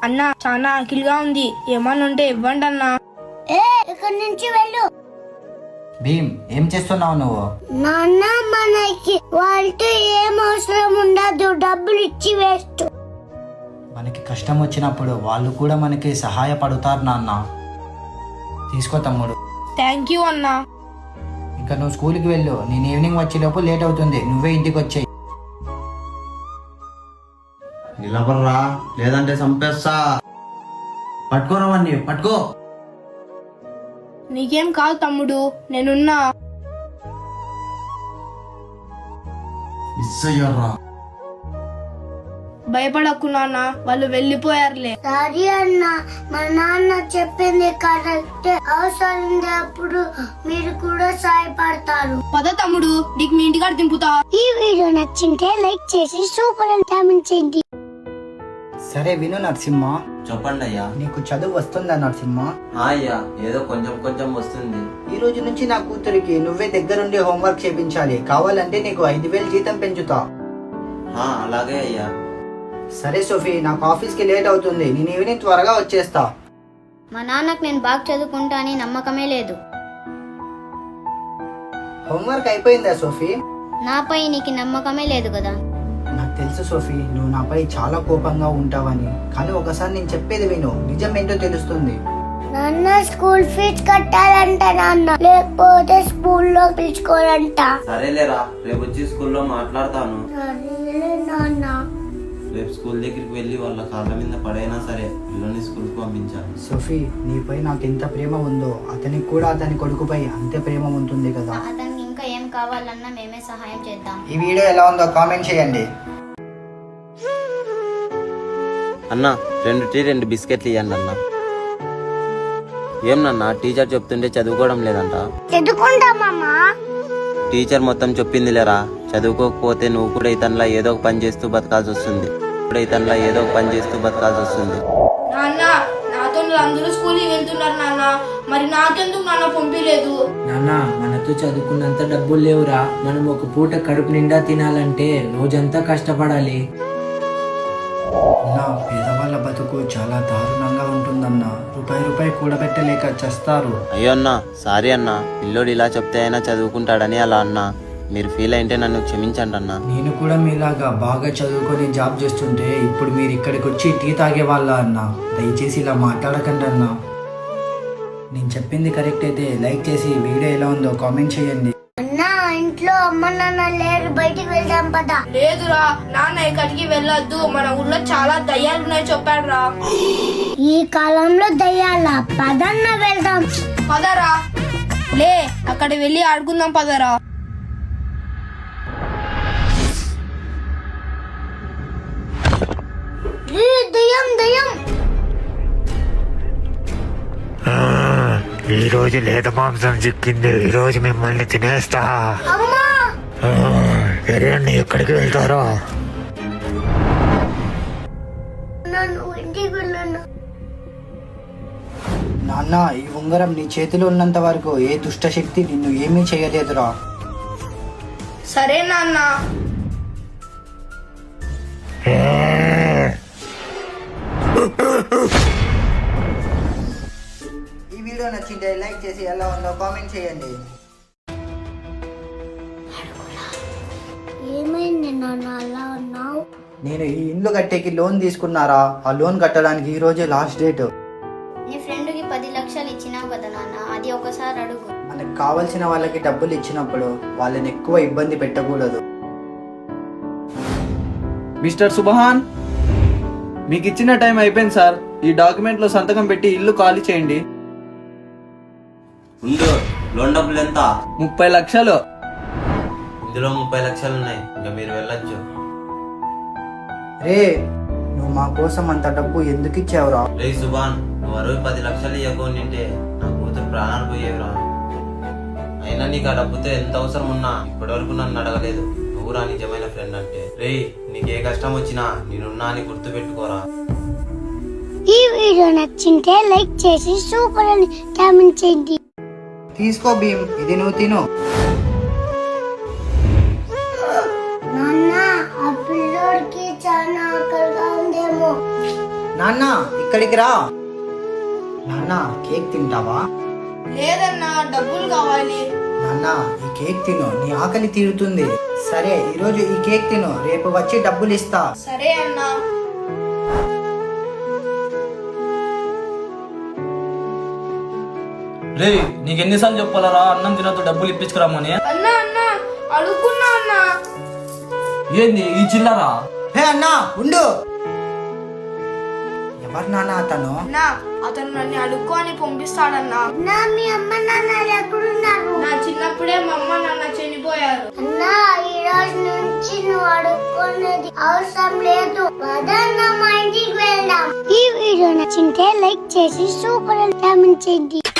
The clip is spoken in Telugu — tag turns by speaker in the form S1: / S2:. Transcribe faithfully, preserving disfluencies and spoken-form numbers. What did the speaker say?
S1: అన్నా చాలా ఆకిలిగా ఉంది, ఏమన్నా ఉంటే ఇవ్వండి అన్నా.
S2: ఏ ఇక్కడి నుంచి వెళ్ళు.
S3: భీమ్, ఏం చేస్తున్నావు నువ్వు?
S2: నాన్న మనకి వాళ్ళతో ఏం అవసరం ఉండదు, డబ్బులు ఇచ్చి వేస్ట్.
S3: మనకి కష్టం వచ్చినప్పుడు వాళ్ళు కూడా మనకి సహాయపడతారు నాన్న. తీసుకో తమ్ముడు.
S1: థ్యాంక్ యూ అన్నా.
S3: ఇంకా నువ్వు స్కూల్కి వెళ్ళు, నేను ఈవినింగ్ వచ్చేలోపు లేట్ అవుతుంది, నువ్వే ఇంటికి వచ్చేయి.
S4: నిలబడరా లేదంటే చంపేస్తా. పట్టుకోరావన్నీ పట్టుకో.
S1: నీకేం కాదు తమ్ముడు, నేనున్నా.
S4: మిస్ అయ్యారా?
S1: భయపడకు నాన్న, వాళ్ళు వెళ్ళిపోయారులే.
S2: సరే అన్న, మా నాన్న చెప్పింది కరెక్ట్. అవసరం అప్పుడు మీరు కూడా సహాయపడతారు.
S1: పద తమ్ముడు, నీకు మీ ఇంటికాడ దింపుతా.
S2: ఈ వీడియో నచ్చింటే లైక్ చేసి సూపర్ అని కామెంట్ చేయండి.
S3: సరే విను నరసింహ,
S4: చెప్పండి అయ్యా.
S3: నీకు చదువు వస్తుందా నరసింహ?
S4: అయ్యా ఏదో కొంచెం కొంచెం వస్తుంది.
S3: ఈ రోజు నుంచి నా కూతురికి నువ్వే దగ్గరుండి హోంవర్క్ చేయించాలి. కావాలంటే నీకు ఐదు వేలు జీతం పెంచుతా.
S4: అలాగే అయ్యా.
S3: సరే సోఫీ, నాకు ఆఫీస్ కి లేట్ అవుతుంది, నేను ఈవినింగ్ త్వరగా వచ్చేస్తా.
S5: మా నాన్నకు నేను బాగా చదువుకుంటా అని నమ్మకమే లేదు.
S3: హోంవర్క్ అయిపోయిందా సోఫీ?
S5: నాపై నీకు నమ్మకమే లేదు కదా.
S3: నాకు తెలుసు సోఫీ, నువ్వు నాపై చాలా కోపంగా ఉంటావని, కానీ ఒకసారి నేను చెప్పేది విను, నిజం ఏంటో తెలుస్తుంది.
S2: నాన్న స్కూల్ ఫీజు కట్టాలంట నాన్న, లేకపోతే స్కూల్లో పిలుచుకోవాలంట.
S4: సరేలేరా, రేపు వచ్చి స్కూల్లో మాట్లాడతాను.
S2: సరేలే నాన్న.
S4: రేపు స్కూల్ దగ్గరికి వెళ్ళి వాళ్ళ కాళ్ళ మీద పడైనా సరే పిల్లల్ని స్కూల్కి పంపించాలి.
S3: సోఫీ, నీపై నాకు ఎంత ప్రేమ ఉందో అతనికి కూడా అతని కొడుకుపై అంతే ప్రేమ ఉంటుంది కదా.
S5: అతనికి ఇంకా ఏం కావాలన్నా మేమే సహాయం చేద్దాం.
S3: ఈ వీడియో ఎలా ఉందో కామెంట్ చేయండి.
S4: అన్న రెండు టీ రెండు బిస్కెట్లు ఇవ్వండి అన్న. ఏం నాన్న టీచర్ చెప్తుంటే చదువుకోవడం లేదంట?
S2: చదువుకుంటామమ్మా.
S4: టీచర్ మొత్తం చెప్పింది లేరా, చదువుకోకపోతే నువ్వు కూడా ఇతనిలా ఏదో ఒక పని చేస్తూ బతకాల్సి వస్తుంది. కూడా ఇతనిలా ఏదో ఒక పని చేస్తూ బతకాల్సి వస్తుంది.
S1: నాన్న, నాతో అందరూ స్కూల్కి వెళ్తున్నారు నాన్న, మరి నాకెందుకు నాన్న పంపించలేదు?
S6: నాన్న, మనతో చదువుకున్నంత డబ్బులు లేవురా. మనం ఒక పూట కడుపు నిండా తినాలంటే రోజంతా కష్టపడాలి.
S3: అన్నా, పేదవాళ్ళ బతుకు చాలా దారుణంగా ఉంటుందన్నా. రూపాయి రూపాయి కూడబెట్టలేక చేస్తారు.
S4: అయ్యో అన్నా, సారీ అన్నా, పిల్లోడు ఇలా చెప్తే అయినా చదువుకుంటాడని అలా అన్నా. మీరు ఫీల్ అయితే నన్ను క్షమించండి అన్నా.
S3: నేను కూడా మీలాగా బాగా చదువుకొని జాబ్ చేస్తుంటే ఇప్పుడు మీరు ఇక్కడికి వచ్చి టీ తాగే వాళ్ళ అన్నా. దయచేసి ఇలా మాట్లాడకండి అన్నా. నేను చెప్పింది కరెక్ట్ అయితే లైక్ చేసి వీడియో ఎలా ఉందో కామెంట్ చేయండి.
S2: అన్నా, ఇంట్లో అమ్మ నాన్న లేరు, బయటికి వెళ్దాం పదా.
S1: లేదురా నాన్న, ఎక్కడికి వెళ్ళొద్దు, మన ఊర్లో చాలా దయ్యాలు ఉన్నాయి చెప్పాడు రా.
S2: ఈ కాలంలో దయ్యాల, పదన్న వెళ్దాం.
S1: పదరా, లే అక్కడ వెళ్ళి ఆడుకుందాం పదరా.
S2: దయ్యం దయ్యం.
S7: ఈ రోజు లేత మాంసం చిక్కింది, ఈ రోజు మిమ్మల్ని తినేస్తా.
S2: అమ్మా,
S7: ఎరండి, ఎక్కడికి వెళ్తారో?
S2: నన్ను ఇంటికి వెళ్ళను.
S3: నాన్న, ఈ ఉంగరం నీ చేతిలో ఉన్నంత వరకు ఏ దుష్ట శక్తి నిన్ను ఏమీ చేయలేదురా.
S1: సరే నాన్న.
S3: ఈ వీడియో నచ్చింటే లైక్ చేసి ఎలా ఉందో కామెంట్ చేయండి.
S2: ఏమైంది నాన్న అలా ఉన్నావు?
S3: నేను ఈ ఇల్లు కట్టేకి లోన్ తీసుకున్నారా, ఆ లోన్ కట్టడానికి ఈ రోజే లాస్ట్ డేట్.
S5: నీ ఫ్రెండ్కి పది లక్షలు ఇచ్చినావు కదా నాన్న, అది ఒకసారి అడుగు.
S3: మనకు కావలసిన వాళ్ళకి డబ్బులు ఇచ్చినప్పుడు వాళ్ళని ఎక్కువ ఇబ్బంది పెట్టకూడదు.
S8: మిస్టర్ సుబహాన్, మీకు ఇచ్చిన టైం అయిపోయింది సార్. ఈ డాక్యుమెంట్ లో సంతకం పెట్టి ఇల్లు ఖాళీ చేయండి.
S4: ఉండు, లోన్ డబ్బులు ఎంత?
S8: ముప్పై లక్షలు.
S4: ఇందులో ముప్పై లక్షలు ఉన్నాయి, ఇంకా మీరు వెళ్ళొచ్చు.
S3: రే, నువ్వు మా కోసం అంత డబ్బు ఎందుకు ఇచ్చావురా?
S4: రే సుబాన్, నువ్వు అరవై పది లక్షలు ఇవ్వకుంటే నా కూతురు ప్రాణాలు పోయేవిరా. అయినా నీకు ఆ డబ్బుతో ఎంత అవసరం ఉన్నా ఇప్పటి వరకు నన్ను అడగలేదు. నువ్వు రా నిజమైన ఫ్రెండ్ అంటే. రే, నీకే కష్టం వచ్చినా నేనున్నా అని గుర్తు పెట్టుకోరా.
S2: ఈ వీడియో నచ్చింటే లైక్ చేసి సూపర్ అని కామెంట్ చేయండి.
S3: తీసుకో భీమ్, ఇది నువ్వు తిను.
S2: నాన్న, ఆ పిల్లోడికి చాలా ఆకలిగా ఉందేమో.
S3: నాన్న ఇక్కడికి రా. నాన్న కేక్ తింటావా?
S1: లేదన్నా, డబ్బులు కావాలి.
S3: నాన్న ఈ కేక్ తిను, నీ ఆకలి తీరుతుంది. సరే ఈరోజు ఈ కేక్ తిను, రేపు వచ్చి డబ్బులు ఇస్తా.
S1: సరే అన్నా.
S9: రే నీకెన్నిసార్లు చెప్పాలరా అన్నం తినద్దు డబ్బులు ఇప్పించుకురామని?
S1: అన్నా అన్నా అడుగున్నా అన్నా.
S9: ఏంది ఈ చిల్లరా?
S3: హే అన్నా ఉండు. ఎవరు నాన్న అతను?
S1: అన్నా అతను నన్ను అడుక్కో అని పంపిస్తాడన్నా.
S2: నా మీ అమ్మ నాన్న ఎక్కడున్నారు?
S1: నా చిన్నప్పుడే మా అమ్మ నాన్న చనిపోయారు.
S2: అన్నా ఈ రోజు నుంచి నువ్వు అడుక్కునేది అవసరం లేదు. పదన్నా మా ఇంటికి వెళ్దాం. ఈ వీడియో నచ్చింటే లైక్ చేసి సూపర్ కామెంట్ చేయండి.